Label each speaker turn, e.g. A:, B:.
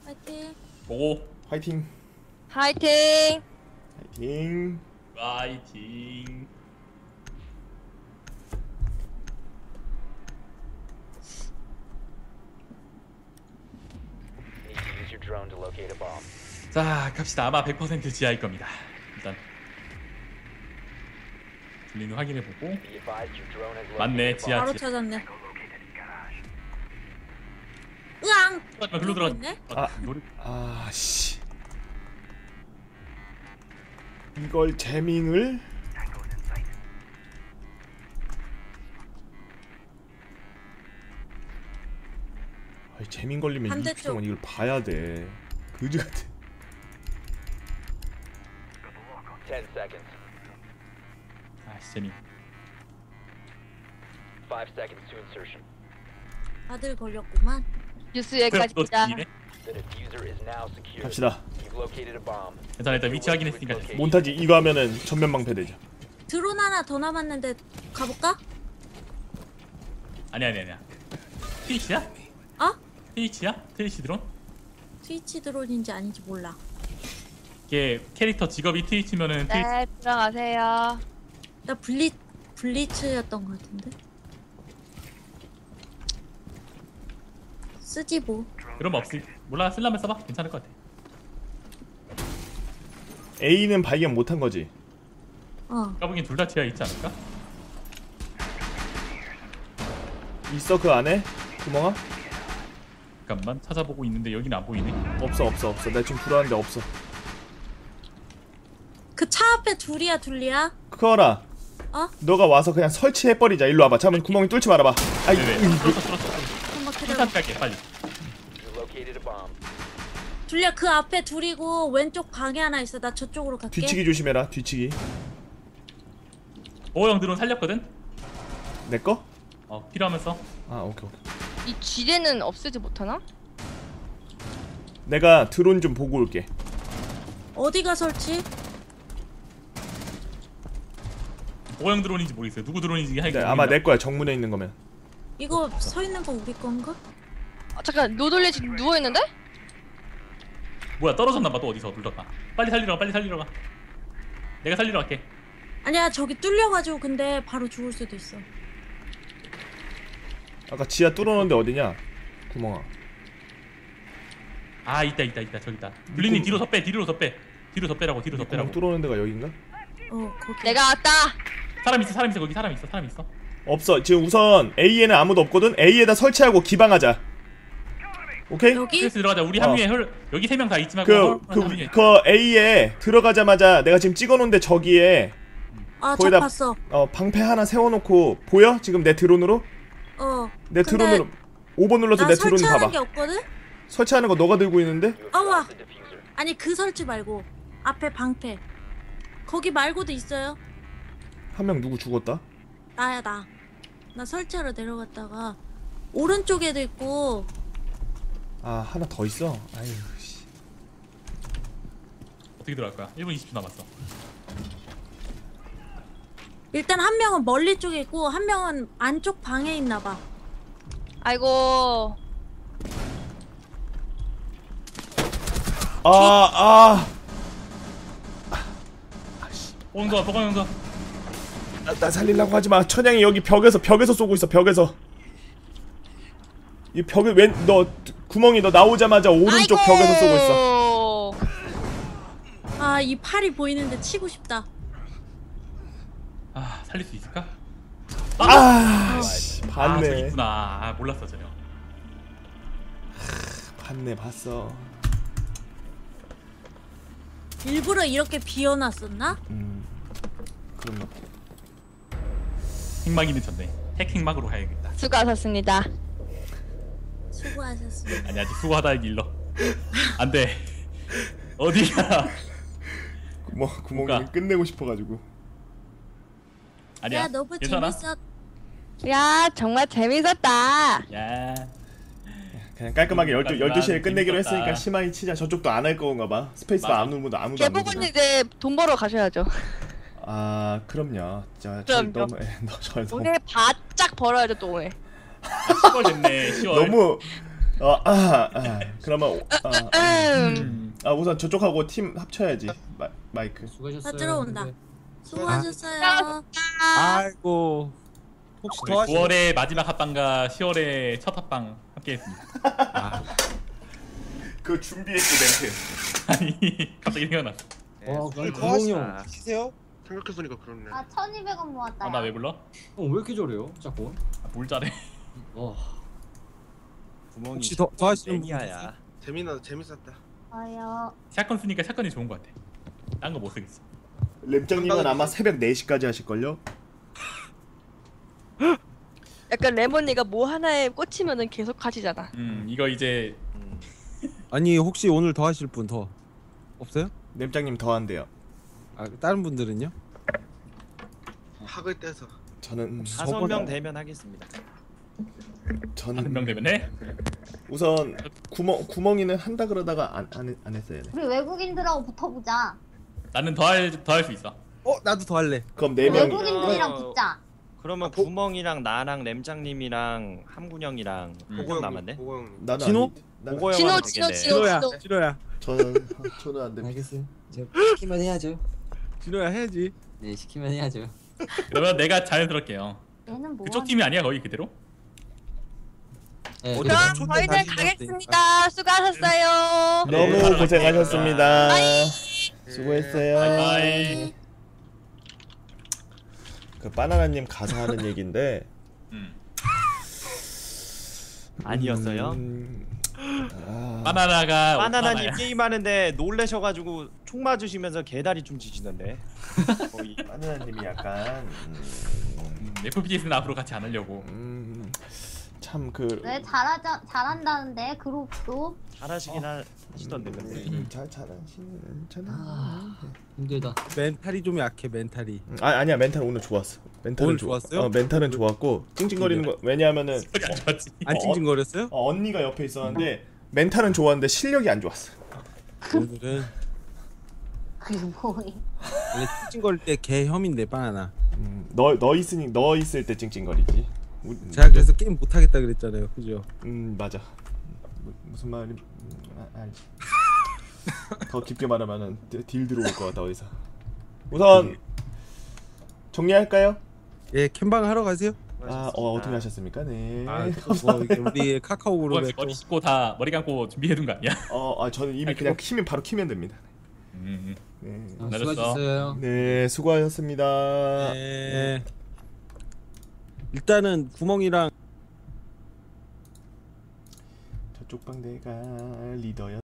A: 파이팅.
B: 고.
C: 화이팅.
D: 화이팅.
C: 화이팅.
B: 파이팅. 자, 갑시다. 아마 100% 지하일 겁니다. 일단 들리는 확인해보고. 맞네, 지하.
A: 바로 찾았네. 으앙!
B: 글로 들어가. 노래.
C: 씨. 이걸 재밍을 재밍 걸리면
A: 반대쪽.
C: 20초 동안 이걸 봐야 돼. 그지 같아.
E: 10 seconds.
B: 재미.
E: 5 seconds to insertion.
A: 다들 걸렸구만.
D: 뉴스 여기까지
B: 너
D: 자.
E: The diffuser is now secure.
C: 갑시다.
E: You've located a bomb.
B: 일단 위치 확인했으니까 됐어.
C: 몬타지 이거 하면은 전면 방패되죠.
A: 드론 하나 더 남았는데 가볼까?
B: 아니야. 트위치야?
A: 어?
B: 트위치야? 트위치 드론?
A: 트위치 드론인지 아닌지 몰라.
B: 이게 캐릭터 직업이 트위치면은 트위치.
D: 네, 들어가세요.
A: 나 블리츠였던 것 같은데. 쓰지 뭐.
B: 그런 거 없을. 몰라, 쓸라면 써봐. 괜찮을 것 같아.
C: A는 발견 못한 거지.
B: 까보기엔 둘 다 지하 있지 않을까?
C: 있어 그 안에? 구멍아?
B: 잠깐만 찾아보고 있는데 여기는 안 보이네.
C: 없어. 나 지금 들어왔는데 없어.
A: 그 차 앞에 둘이야.
C: 크어라.
A: 어?
C: 너가 와서 그냥 설치해버리자. 일로 와봐. 잠깐 구멍이 뚫지 말아봐. 아이.
B: 네네. 뚫었어.
A: 한번 기다려.
B: 일단 갈게 빨리.
E: You located a bomb.
A: 둘이야 그 앞에 둘이고 왼쪽 방에 하나 있어. 나 저쪽으로 갈게.
C: 뒤치기 조심해라. 뒤치기.
B: 형 드론 살렸거든?
C: 내 거?
B: 필요하면 써.
C: 오케이.
D: 이 지뢰는 없애지 못하나?
C: 내가 드론 좀 보고 올게.
A: 어디가 설치?
B: 형 드론인지 모르겠어요. 누구 드론인지
C: 네, 아마 내 거야. 정문에 있는 거면.
A: 이거 서 있는 거 우리 건가?
D: 잠깐 노돌리 지금 누워 있는데?
B: 뭐야, 떨어졌나봐. 또 어디서 눌렀다. 빨리 살리러 가. 내가 살리러 갈게.
A: 아니야 저기 뚫려가지고 근데 바로 죽을 수도 있어.
C: 아까 지하 뚫어놓은데 어디냐? 구멍아.
B: 있다. 저기 있다. 블리님 뒤로 더 빼. 뒤로 더 빼라고.
C: 구멍 뚫어놓은 데가 여긴가?
A: 거기.
D: 내가 왔다.
B: 사람 있어. 거기 사람 있어.
C: 없어. 지금 우선 A에는 아무도 없거든? A에다 설치하고 기방하자. 오케이?
A: 여기?
B: 그래서 들어가자. 우리 한 명에 여기 3명 다 있지만
C: 그 A에 들어가자마자 내가 지금 찍어놓은데 저기에
A: 저
C: 거기다
A: 봤어.
C: 방패 하나 세워놓고 보여? 지금 내 드론으로? 내
A: 근데
C: 드론으로 5번 눌러서
A: 나
C: 내 드론
A: 설치하는
C: 봐봐.
A: 게 없거든?
C: 설치하는 거 너가 들고 있는데?
A: 와. 아니 그 설치 말고 앞에 방패. 거기 말고도 있어요.
C: 한 명 누구 죽었다?
A: 나야 나. 나 설치하러 내려갔다가 오른쪽에도 있고.
C: 하나 더 있어? 아유 씨.
B: 어떻게 들어갈 거야? 1분 20초 남았어.
A: 일단 한 명은 멀리 쪽에 있고 한 명은 안쪽 방에 있나 봐.
D: 아이고.
B: 보건용서.
C: 나 살리려고 하지마. 천양이 여기 벽에서 쏘고 있어. 벽에서. 이 벽에 너 구멍이 너 나오자마자 오른쪽
D: 아이고.
C: 벽에서 쏘고 있어.
A: 이 팔이 보이는데 치고 싶다.
B: 살릴 수 있을까?
C: 씨,
B: 저기
C: 봤네.
B: 있구나. 몰랐어 전혀.
C: 봤네, 봤어.
A: 일부러 이렇게 비워놨었나?
C: 그런가 봐.
B: 핵막이는 졌네. 핵막으로 가야겠다.
D: 수고하셨습니다.
A: 수고하셨습니다.
B: 아니 아직 수고하다 일러. 안돼. 어디야?
C: 구멍이
B: 뭐가?
C: 끝내고 싶어가지고.
B: 아니야.
A: 야 너무
B: 괜찮아?
A: 재밌었.
D: 야 정말 재밌었다.
B: 야.
C: 그냥 깔끔하게 12시에 끝내기로
B: 재밌었다.
C: 했으니까 심하게 치자. 저쪽도 안 할 건가 봐. 스페이스바
B: 맞아.
C: 안 누르면 아무도 안
D: 개복은
C: 누르잖아.
D: 이제 돈 벌어 가셔야죠.
C: 그럼요. 저
D: 그럼요.
C: 너무 저 너무
D: 오늘 바짝 벌어야죠 또 오늘.
B: 10월 됐네. 10월.
C: 너무 그러면 우선 저쪽하고 팀 합쳐야지. 마이크.
F: 수고하셨어요.
A: 다 들어온다.
F: 네.
A: 수고하셨어요.
G: 아이고 혹시 더 하시나요?
B: 9월의 마지막 합방과 10월의 첫 합방 함께했습니다.
C: 그 준비했지 멘트.
B: 아니 갑자기 생각났어.
F: 그럼
G: 더
F: 구멍이 형.
G: 하시세요?
H: 생각해보니까 그렇네.
I: 아 1200원 모았다.
B: 나 왜 불러?
F: 왜 이렇게 저래요? 자꾸.
B: 뭘 잘해?
G: 혹시 더 하시는 분?
H: 재밌었다.
I: 아요.
B: 샷건 쓰니까 샷건이 좋은 것 같아. 딴 거 못 쓰겠어.
C: 램장님은 아마 새벽 4시까지 하실걸요?
D: 약간 레몬이가 뭐 하나에 꽂히면은 계속 하시잖아.
B: 이거 이제
G: 아니 혹시 오늘 더 하실 분 더 없어요?
C: 램장님 더 한대요.
G: 다른 분들은요?
H: 학을 떼서.
C: 저는
J: 5명 되면 하겠습니다.
C: 저는
B: 5명 되면 해?
C: 우선 구멍이는 한다 그러다가 안 했어요. 네.
I: 우리 외국인들하고 붙어보자.
B: 나는 더 할 수 있어.
G: 나도 더 할래.
C: 그럼 4명.
I: 외국인들이랑 붙자.
J: 그러면 구멍이랑 나랑 램장님이랑 함군형이랑 보고 남았네.
H: 보고 형님.
C: 나는
G: 진호?
J: 보고
D: 진호
J: 형은
D: 진호
J: 되겠네.
D: 진호.
G: 진호야.
C: 저는 안 됩니다.
F: 알겠어요. 제가 시키면 해야죠.
G: 진호야 해야지.
F: 네, 시키면 해야죠.
B: 그러면 내가 자연스럽게요.
I: 얘는 뭐?
B: 그쪽 팀이 아니야 거의 그대로?
F: 네,
G: 어디
D: 그럼
G: 초대
D: 저희는
G: 다시
D: 가겠습니다. 수고하셨어요.
C: 너무
B: 바로
C: 고생하셨습니다. 수고했어요.
B: 바이바이.
C: 그 바나나님 가서 하는 얘긴데
J: 아니었어요?
B: 바나나가
J: 바나나님
B: 오빠나야.
J: 게임하는데 놀래셔가지고 총 맞으시면서 개다리 좀 지시던데. 거의.
C: 바나나님이 약간
B: FPS는 앞으로 같이 안 하려고.
C: 참그
I: 왜 잘한다는데 그룹도.
J: 잘하시긴 하시던데 근데.
C: 잘하시는
F: 힘들다.
G: 멘탈이 좀 약해 멘탈이.
C: 아니야 멘탈 오늘 좋았어. 멘탈은
G: 오늘 좋았어요?
C: 멘탈은 좋았고 찡찡거리는 거 왜냐하면은
B: 소리 안 좋았지.
G: 안 찡찡거렸어요?
C: 언니가 옆에 있었는데 멘탈은 좋았는데 실력이 안 좋았어.
G: 오늘은
I: 그게 뭐해?
G: 원래 찡찡거릴 때 개혐인데 바나나.
C: 너 있을 때 찡찡거리지.
G: 제가 그래서 게임 못 하겠다 그랬잖아요, 그죠?
C: 맞아. 무슨 말이 알지. 더 깊게 말하면은 딜 들어올 것 같다 어디서. 우선 정리할까요?
G: 예, 캠방 하러 가세요.
C: 어떻게 하셨습니까? 네.
G: 우리 카카오 그룹에 또
B: 머리 씻고 다 머리 감고 준비해둔 거 아니야?
C: 저는 이미 그냥 바로 키면 됩니다. 네.
F: 수고하셨어요.
C: 네, 수고하셨습니다.
G: 네. 일단은 구멍이랑
C: 저쪽 방 내가 리더야.